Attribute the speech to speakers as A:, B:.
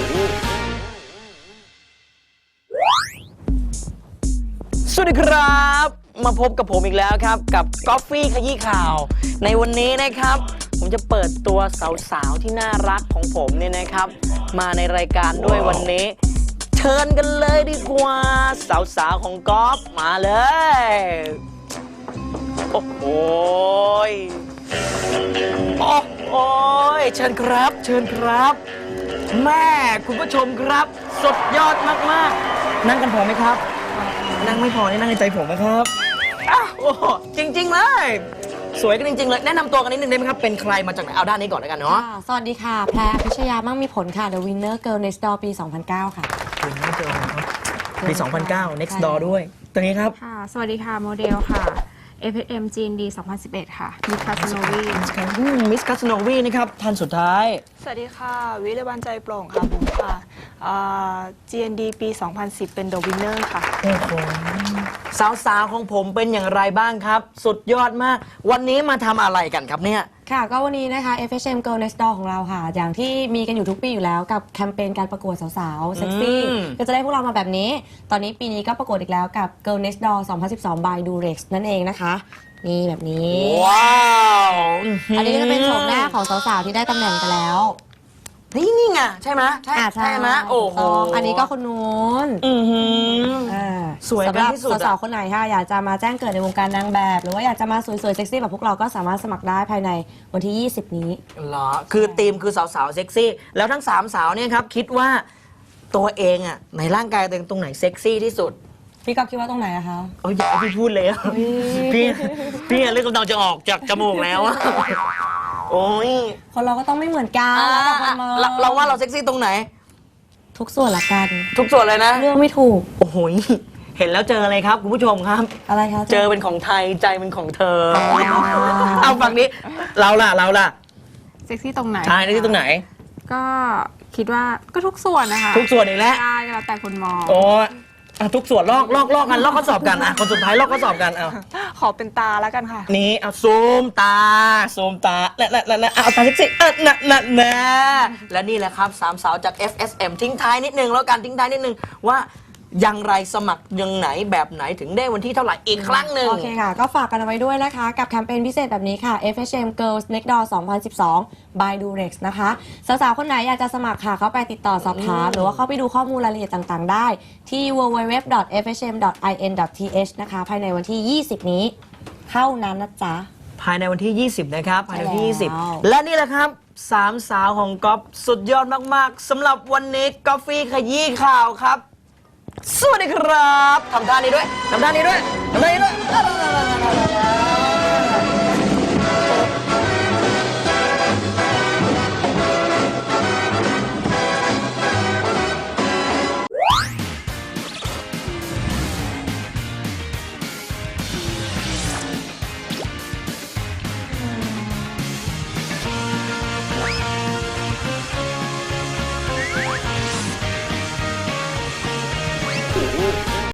A: สวัสดีครับมาพบกับผมอีกแล้วครับกับกอฟฟี่ขยี้ข่าวในวันนี้นะครับผมจะเปิดตัวสาวๆที่น่ารักของผมเนี่ยนะครับมาในรายการด้วยวันนี้เชิญกันเลยดีกว่าสาวๆของกอฟมาเลยโอ้โหโอ้ยเชิญครับเชิญครับแม่คุณผู้ชมครับสุดยอดมากๆนั่งกันพอไหมครับนั่งไม่พอนี่นั่งในใจผมนะครับโอ้จริงๆเลยสวยกันจริงๆเลยแนะนำตัวกันนิดนึงได้ไหมครับเป็นใครมาจากไหนเอาด้านนี้ก่อนแล้วกันเนาะ
B: สวัสดีค่ะแพรพิชยามั่งมีผลค่ะ The Winner Girl Next Door ปี 2009 ค่ะ
A: คุณไม่เจอครับปี 2009 Next Door ด้วยตัวนี้ครับ
C: ค่ะสวัสดีค่ะโมเดลค่ะ FSM GND 2011 ค่ะมิสคาสโนวี
A: มิสคาสโนวีนะครับท่านสุดท้าย
D: สวัสดีค่ะวิเลวันใจโปร่งค่ะบุ๋มค่ะGND ปี 2010 เป็น The Winner ค่ะ
A: โอ้โหสาวๆของผมเป็นอย่างไรบ้างครับสุดยอดมากวันนี้มาทำอะไรกันครับเนี่ย
B: ค่ะก็วันนี้นะคะ FSM Girl Next Door ของเราค่ะอย่างที่มีกันอยู่ทุกปีอยู่แล้วกับแคมเปญการประกวดสาวๆเซ็กซี่ก็จะได้พวกเรามาแบบนี้ตอนนี้ปีนี้ก็ประกวดอีกแล้วกับ Girl Next Door 2012 by Durex นั่นเองนะคะนี่แบบนี้
A: ว้าว
B: อันนี้ก็จะเป็นโฉมหน้าของสาวๆที่ได้ตำแหน่งกันแล้ว
A: นี่ไงใช่ไหมใช่ไหมโอ้โห
B: อันนี้ก็คนนู้น
A: สวยกันที่สุด
B: สำหรับสาวๆคนไหนค่ะอยากจะมาแจ้งเกิดในวงการนางแบบหรือว่าอยากจะมาสวยๆเซ็กซี่แบบพวกเราก็สามารถสมัครได้ภายในวันที่ 20 นี้
A: เหรอคือธีมคือสาวๆเซ็กซี่แล้วทั้ง3สาวเนี่ยครับคิดว่าตัวเองอ่ะในร่างกายตัวเองตรงไหนเซ็กซี่ที่สุด
B: พี่ก็คิดว่าตรงไหนอะคะ
A: อย่าพี่พูดเลยพี่เลือดกำลังจะออกจากจมูกแล้วโอ้ย
B: คนเราก็ต้องไม่เหมือนกัน
A: เราว่าเราเซ็กซี่ตรงไหน
B: ทุกส่วนละกัน
A: ทุกส่วนเลยนะ
B: เรื่องไม่ถูก
A: โอ้โหเห็นแล้วเจออะไรครับคุณผู้ชมครับ
B: อะไรคะ
A: เจอเป็นของไทยใจเป็นของเธอเอาฝั่งนี้เราล่ะ
C: เซ็กซี่ตรงไหน
A: ใช่เซ็กซี่ตรงไหน
C: ก็คิดว่าก็ทุกส่วนนะคะ
A: ทุกส่วนอีกแล้ว
C: ใช่แล้วแต่คนมอง
A: โอ้ทุกส่วนลอกกันลอกข้อสอบกันคนสุดท้ายลอกข้อสอบกัน
D: ขอเป็นตาแล้วกันค่ะ
A: นี่เอาซูมตาและเอาตาเซ็กซี่และนี่แหละครับ3สาวจาก FSM ทิ้งท้ายนิดนึงแล้วกันทิ้งท้ายนิดนึงว่าอย่างไรสมัครยังไหนแบบไหนถึงได้วันที่เท่าไหร่อีกครั้งหนึ่ง
B: โอเคค่ะก็ฝากกันเอาไว้ด้วยนะคะกับแคมเปญพิเศษแบบนี้ค่ะ FSM Girls Next Door 2012 by Durex นะคะสาวๆคนไหนอยากจะสมัครค่ะเข้าไปติดต่อสอบถามหรือว่าเข้าไปดูข้อมูลรายละเอียดต่างๆได้ที่ www.fsm.in.th นะคะภายในวันที่ 20 นี้เท่านั้นนะจ๊ะ
A: ภายในวันที่ 20นะครับภายในวันที่ 20และนี่แหละครับ3สาวของก๊อฟสุดยอดมากๆสำหรับวันนี้กอฟฟี่ขยี้ข่าวครับสวัสดีครับทำท่านี้ด้วย